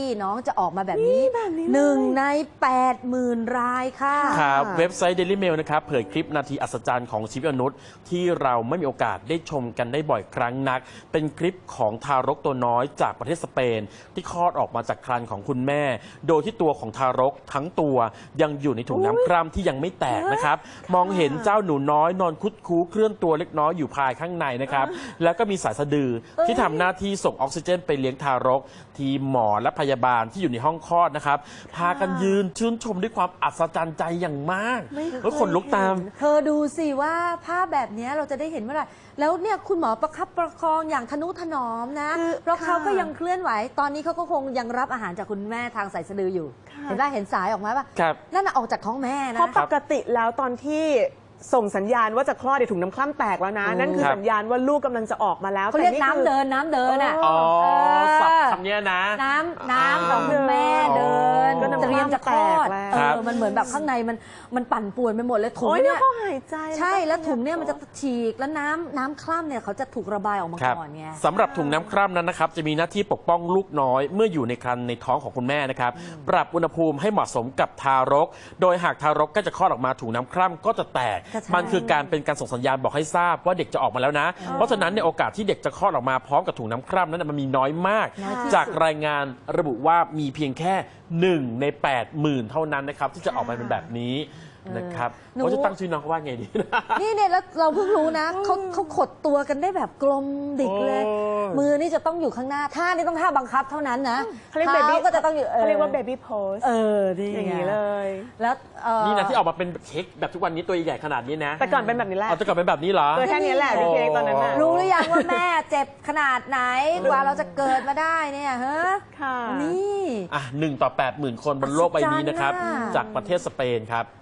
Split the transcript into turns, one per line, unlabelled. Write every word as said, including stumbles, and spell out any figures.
น้องจะออกมาแบบนี้หนึ่งใน แปดหมื่น รายค่ะ
ครับเว็บไซต์ Daily Mail นะครับเผยคลิปนาทีอัศจรรย์ของชีวิตมนุษย์ที่เราไม่มีโอกาสได้ชมกันได้บ่อยครั้งนักเป็นคลิปของทารกตัวน้อยจากประเทศสเปนที่คลอดออกมาจากครรภ์ของคุณแม่โดยที่ตัวของทารกทั้งตัวยังอยู่ในถุงน้ำคร่ำที่ยังไม่แตกนะครับมองเห็นเจ้าหนูน้อยนอนคุดคู้เคลื่อนตัวเล็กน้อยอยู่ภายข้างในนะครับแล้วก็มีสายสะดือที่ทำหน้าที่ส่งออกซิเจนไปเลี้ยงทารกทีมหมอและพยาบาลที่อยู่ในห้องคลอดนะครับพากันยืนชื่นชมด้วยความอัศจรรย์ใจอย่างมากแล้วขนลุกตาม
เธอดูสิว่าภาพแบบนี้เราจะได้เห็นเมื่อไหร่แล้วเนี่ยคุณหมอประคับประคองอย่างทนุถนอมนะเพราะเขาก็ยังเคลื่อนไหวตอนนี้เขาก็คงยังรับอาหารจากคุณแม่ทางสายสะดืออยู่เห็นได้เห็นสายออกมาป่ะนั่นน่ะออกจากท้องแม่นะ
เพราะปกติแล้วตอนที่ส่งสัญญาณว่าจะคลอดในถุงน้ำคร่ำแตกแล้วนะนั่นคือสัญญาณว่าลูกกำลังจะออกมาแล้ว
เขาเรียกน้ำเดินน้ำเดินอ่ะ
อ๋อสับคำนี้นะ
น้ำน้ำของคุณแม่เดินเตรียมจะคลอดเออมันเหมือนแบบข้างในมันมันปั่นป่วนไปหมดเลยถุงเนี่ย
เขาหายใจ
ใช่แล้วถุงเนี่ยมันจะฉีกแล้วน้ำน้ำคร่ำเนี่ยเขาจะถูกระบายออกมาก่อนไง
สำหรับถุงน้ำคร่ำนั้นนะครับจะมีหน้าที่ปกป้องลูกน้อยเมื่ออยู่ในครรภ์ในท้องของคุณแม่นะครับปรับอุณหภูมิให้เหมาะสมกับทารกโดยหากทารกก็จะคลอดออกมาถุงน้ำคร่ำก็จะแตกมันคือการเป็นการส่งสัญญาณบอกให้ทราบว่าเด็กจะออกมาแล้วนะเพราะฉะนั้นในโอกาสที่เด็กจะคลอดออกมาพร้อมกับถุงน้ำคร่ำนั้นมันมีน้อยมากจากรายงานระบุว่ามีเพียงแค่หนึ่งใน แปดหมื่น เท่านั้นนะครับที่จะออกมาเป็นแบบนี้นะครับเขาจะตั้งชื่อน้องว่าไงดี
นี่เนี่ยแล้วเราเพิ่งรู้นะเขาเขาขดตัวกันได้แบบกลมดิกเลยมือนี่จะต้องอยู่ข้างหน้าท่านี่ต้องท่าบังคับเท่านั้นนะ
เขาเรียกเบบี้ก็จะต้องอยู่เขาเรียกว่าเบบี้โพส
เออดี
อย่างนี้เลย
แล้ว
นี่นะที่ออกมาเป็นเค้กแบบทุกวันนี้ตัวใหญ่ขนาดนี้นะ
แต่ก่อนเป็นแบบนี้แหละ
แต่ก่อนเป็นแบบนี้เหรอ
ตัวแค่นี้แหละพี่เค้กตอนนั้นนะ
รู้หรือยังว่าแม่เจ็บขนาดไหนกว่าเราจะเกิดมาได้เนี่ยเฮ้
ค่ะ
นี่
อ่ะหนึ่งต่อแปดหมื่นคนบนโลกใบนี้นะครับจากประเทศสเปนครับ